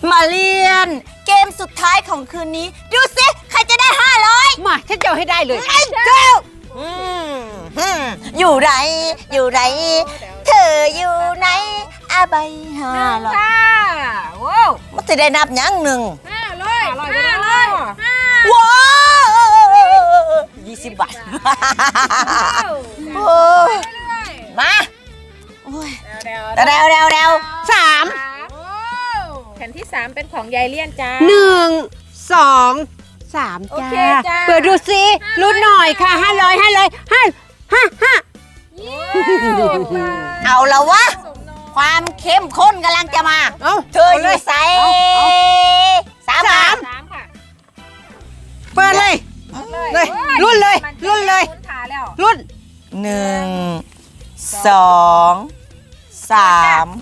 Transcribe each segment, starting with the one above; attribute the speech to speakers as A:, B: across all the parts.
A: มาเรียนเกมสุดท้ายของคืนนี้ดูสิใครจะได้500
B: มาฉันจะเอาให้ได้เลย
A: เจ้าอยู่ไหนอยู่ไหนเธออยู่ไหนอาใบ500
C: ว้าว
A: มันจะได้นับยังหนึ่ง
C: 500
A: ว้าว20 บาทโอ้มาโอ้ยเร็ว
B: 3
C: แผ่นที่3เป็นของยายเลี่ยนจ้า
B: 1 2 3จ้าเปิดดูสิลุ้นหน่อยค่ะ500
A: เอาแล้ววะความเข้มข้นกำลังจะมาเธออยู่ใส่3
C: ค่ะ
B: เปิดเลยลุ้นเลยลุ้น
A: 1 2 3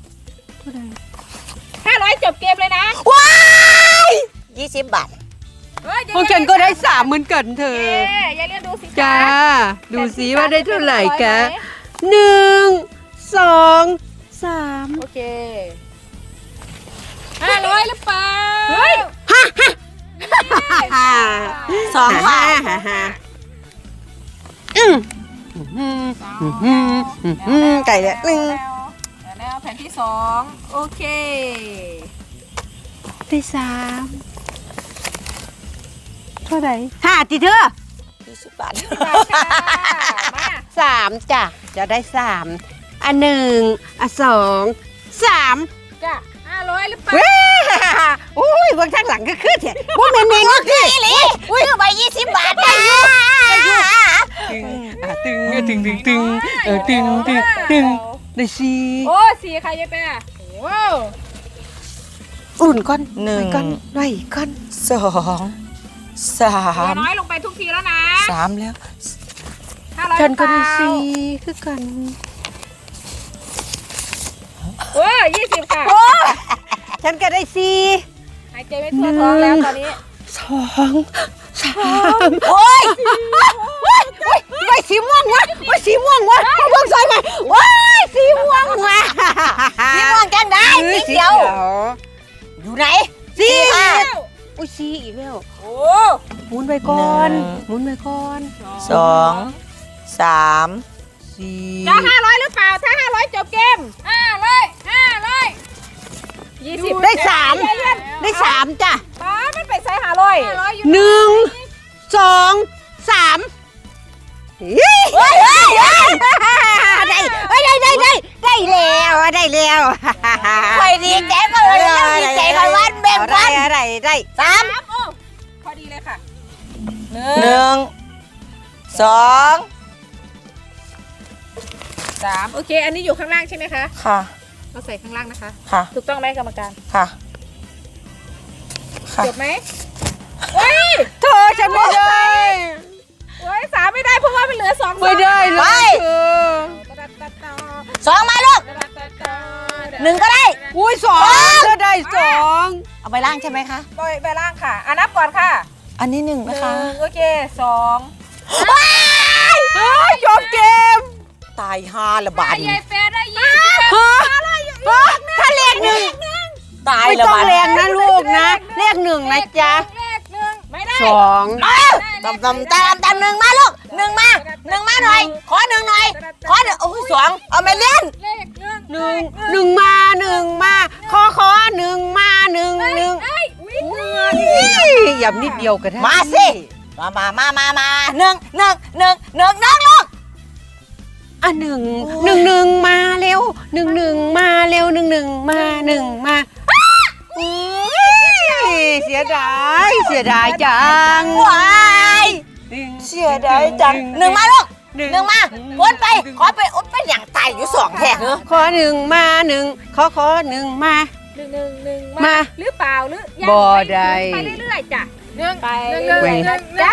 C: 500จบเกมเลยนะ
A: ว้าย20 บาท
B: พวกฉันก็ได้3เหมือนกันเธอย
C: ายเลี่ยนดูสิ
B: จ้าดูสิว่าได้เท่าไหร่กะ1 2 3
C: โอเค500หรือเปล่าเฮ้ย
A: 2 บาท
B: ไก่ละ
C: แล้วแผ่นที่2โอเค
B: ได้3เท่าไหร่5ติเธอ
A: 20 บาท
B: 3จ้ะจะได้3อัน1อัน2 3
C: จ้ะ500หรือเปล่า
B: อุ้ยเบื้องข้างหลังก็ขึ้นเถอะว่ามันเองก็ขึ้น
A: อุ้ยไป20 บาทนะ
B: ตึงได้4
C: โอ้4ค่ะยายแปะว้าว
B: อุ่นก้อนก้อนไว้ก้อน
A: 2 3
C: น้อยลงไปทุกทีแล้วนะ
A: 3แล้ว
B: ฉันก็ได้4คือกัน
C: โอ้20ค่ะ
B: ฉันก็ได้4
C: หายใจไม่ทั่วท้องแล้วตอนนี้
B: 2 3
A: โอ้ย
B: ไม่สีม่วงวะไม่สีม่วงวะเพิ่งใส่มาว้ายสีม่วงวะ
A: สีม่วงจังได้สีเขียวอยู่ไหน
B: สีอุ้ยสีอีกแล้ว
C: โอ้
B: หมุนไปก่อน
A: 2 3 4
C: จะ500หรือเปล่าถ้า500จบเกม20
B: ได้3จ้ะ
C: มันไปใส่500
B: 1 2 3ได้แล้ว
A: คอยดีใจก็เลยดีใจคอยวันแบ่งกัน
B: ได้
C: 3พอดีเลยค่ะ
A: 1 2
C: 3โอเคอันนี้อยู่ข้างล่างใช่ไหมคะ
A: ค่ะ
C: เราใส่ข้างล่างนะคะ
A: ค่ะ
C: ถูกต้องไหมกรรมการ
A: ค่ะ
C: จบไหมเฮ้ย
B: เธอฉันไม่ได้
C: 3ไม่ได้เพราะว่ามันเหลือ2
B: ไม่ได้เลย
A: 2มาลูก1ก็ได้
B: อุ้ย2เธอได้2
A: เอาไปล่างใช่ไหมคะ
C: ไปล่างค่ะนับก่อนค่ะ
A: อันนี้1นะคะ
C: โอเค2
B: จบเกม
A: ตาย5ละบาท
C: ยายแฟได้
B: ถ้าเลข1
A: ตาย
B: ละบาทไม่ต้องแรงนะลูกนะเลข1นะจ๊ะ
C: ไม่ได้
B: 2
A: ตำ1มาลูก1มาหน่อยขอ1หน่อยขอโอ้ย2เอามาเล่น
B: 1มาขอ1มา1อย่านิดเดียวก็ได้
A: มาสิมา1ลูก
B: อ่ะ1มาเร็ว1มาเร็ว1มาเสียดายจัง
A: ว้ายเสียดายจัง1มาลูก1มาวนไปขอไปเป็นอย่างตายอยู่2แท่ง
B: ขอ1มาขอ1มา
C: 1มาหรือเปล่าหรือ
B: บ่ได้
C: ไปเรื่อยๆจ้ะไป
B: จ้ะ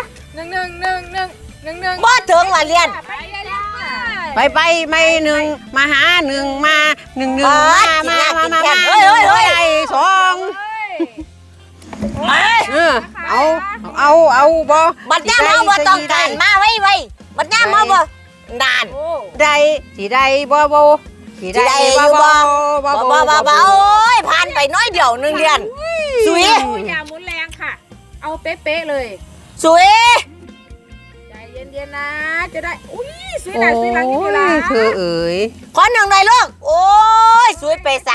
A: บ่ถึงว่าเรียน
B: ไปไม่1มาหา1มา1มา
A: เฮ้ย
B: 2เอาบ่
A: บัดย่ามาบ่ต้องการมาไว้บัดย่ามาบ่นาน
B: ได้สิได้บ่สิ
A: สิได้อยู่บ่บ่โอ้ยผ่านไปน้อยเดียวหนึ่งเดือนสวย
C: อย่าหมุนแรงค่ะ เอาเป๊ะๆเลย
A: สวย
C: ใจเย็นๆนะ จะได้ อุ้ยสวยหน่อยสวยหลังนี่ละ
B: เธอเอ๋ย
A: ขอหนึ่งหน่อยลูกโอ้ยสวยไป3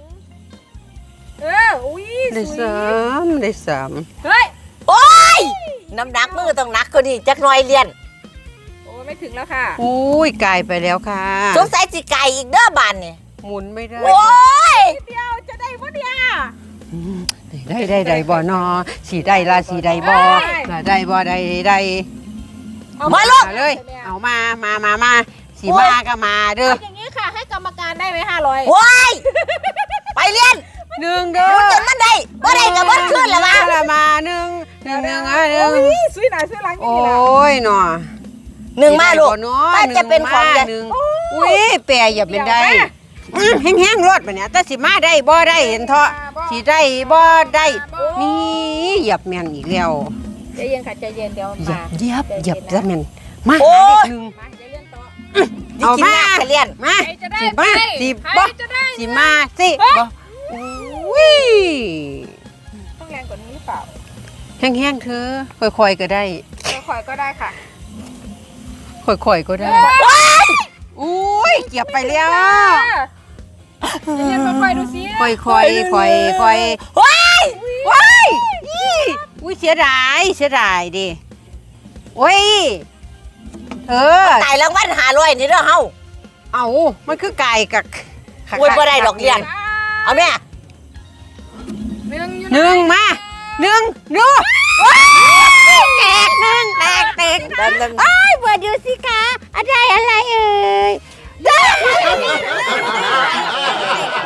C: อุ้ย
B: ได้
C: สวย
B: 3ได้
C: เฮ้ย
A: โอ้ยน้ำหนักมือต้องหนักกว่านี้จักหน่อยเรียน
C: โอ้ไม่ถึงแล้วค่ะ
B: 3อุ้ยกลายไปแล้วค่ะ
A: สงสัยสิไก่อีกเด้อบานนี่
B: หมุนไม่ได้
A: โอ้ย
C: เดียวจะได้ปะเนี่ย
B: ได้บ่นอสีได้ละสีได้บ่ละได้บ่ได้
A: มาลูก
B: เลย เอามาสีมาก็มาเด้อ
C: อย่างนี้ค่ะ ให้กรรมการได้ไหม500
A: โอ้ยไปเรียน
B: หนึ่งเด้อ
A: รู้จนมันได้บ่ได้ก็บ่ขึ้นละมา
B: มาหนึ่งอ่ะหนึ่ง
C: อุ้ยสวยหน่อยสวยหลัง
B: โอ้
C: นี่ละ
B: ยหนอ
A: หนึ่งมาลูก
B: ป้า
A: ป้าจะเป็นของใหญ่
B: หนึ่งอุ้ยแปรอย่าเป็นได้แห้งๆรถไปเนี่ยแต่สิมาได้บ่ได้เห็นเถาะสิได้บ่ได้นี่เหยียบแม่นอีกแล้ว
C: ใจเย็นค่ะใจเย็นเดี๋ยว
B: เหยีย
C: มา
B: บเหยียบแล้วแม่นมา
A: โอ้
B: หาเด็กหนึ่ง
C: มาใจเย็นต่อ
A: สิกินยากจะเรียน
B: มา
C: ใครจะได้
B: สิมา
C: ไป
B: สิ
C: ใคร
B: บ่
C: จะได้
B: สิมาสิบ่อุ้ย
C: ต้องแรงกว่านี้หรือเปล่า
B: แห้งๆเธอค่อยๆก็ได้
C: ค่อยๆก็ได้ค่ะ
B: ค่อยๆก็ได้อุ้ยเกียบไปแล้ว
C: ใจเย็นค่อยๆดูสิ
B: ค่อยๆค่อยๆ
A: ว้าย
B: ว้ายนี่อุ้ยเสียดายดิโอ้ยเธอ
A: ตายรางวัล500นี่เด้อเฮา
B: เอามันคือไก่กับ
A: โอ้ยบ่ได้ดอกเรียน เอาแม่
C: หนึ่งอยู่
B: หนึ่งมาหนึ่งดูแตกหนึ่งแตก
A: เดิน
B: ไอ้เปิดดูสิคะอะไรเอ่ยได้